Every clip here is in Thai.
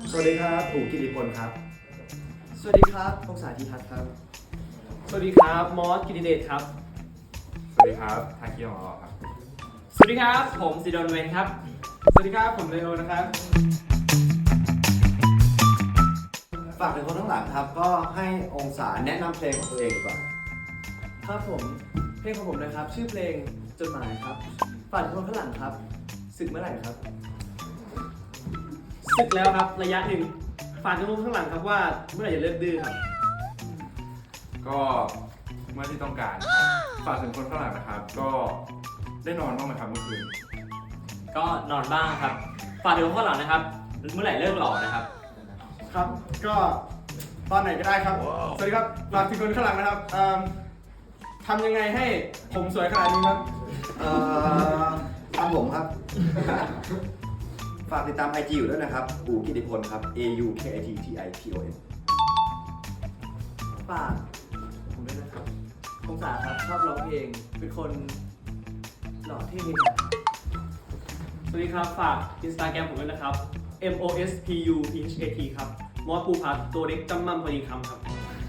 สวัสดีครับอู๋กิติพลครับสวัสดีครับพงษาธีทัศน์ครับสวัสดีครับมอสกิติเดชครับสวัสดีครับทาคิโอครับสวัสดีครับผมซิดอนเวนครับสวัสดีครับผมเลโอนะครับฝากถึงคนข้างหลังครับก็ให้องศาแนะนำเพลงของตัวเองดีกว่าครับผมเพลงของผมนะครับชื่อเพลงจดหมายครับฝากถึงคนข้างหลังครับศึกเมื่อไหร่ครับศึกแล้วครับระยะหนึ่งฝากทุกคนข้างหลังครับว่าเมื่อไหร่จะเลิกดื้อครับก็เมื่อที่ต้องการฝากถึงคนข้างหลังนะครับ ก็ได้นอนบ้างไหมครับเมื่อคืนก็นอนบ้างครับฝากถึงคนข้างหลังนะครับเมื่อไหร่เลิกหล่อนะครับครับก็ตอนไหนก็ได้ครับ สวัสดีครับฝากถึงคนข้างหลังนะครับทำยังไงให้ผมสวยขนาดนี้ครับตามผมครับ ฝากติดตาม IG อยู่ด้วยนะครับอู๋กิติพลครับ AUKITTIPON ฝากผมด้วยนะครับพงษาครับชอบร้องเพลงเป็นคนหล่อเท่ครับสวัสดีครับฝาก Instagram ผมด้วยนะครับ MOSPUPHAT ครับมอสภูพัฒน์ตัวเล็กจำมั่มพอดีคำครับ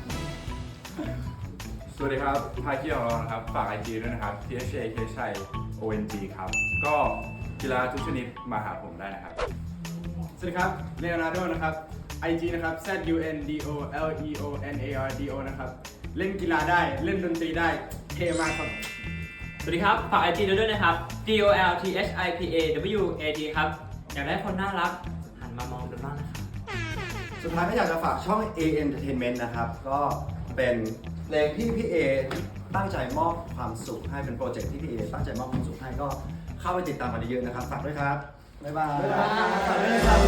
สวัสดีครับทาคิโอนะครับฝาก IG ด้วยนะครับ THAK ชัย ONG ครับก็กีฬาทุกชนิดมาหาผมได้นะครับสวัสดีครับเลโอนาร์โดนะครับ IG นะครับ ZUNDOLEONARDO นะครับเล่นกีฬาได้เล่นดนตรีได้เท่มากครับสวัสดีครับฝาก IG ด้วยนะครับ DOLTHIPAWAT ครับอยากได้คนน่ารักหันมามองกันบ้างนะครับสุดท้ายก็อยากจะฝากช่อง A Entertainment นะครับ ก็เป็นเพลงที่พี่เอตั้งใจมอบความสุขให้เป็นโปรเจกต์ที่พี่เอตั้งใจมอบความสุขให้ก็เข้าไปติดตามกันเยอะๆนะครับ ฝากด้วยครับ บ๊ายบายฝากด้วยนะครับ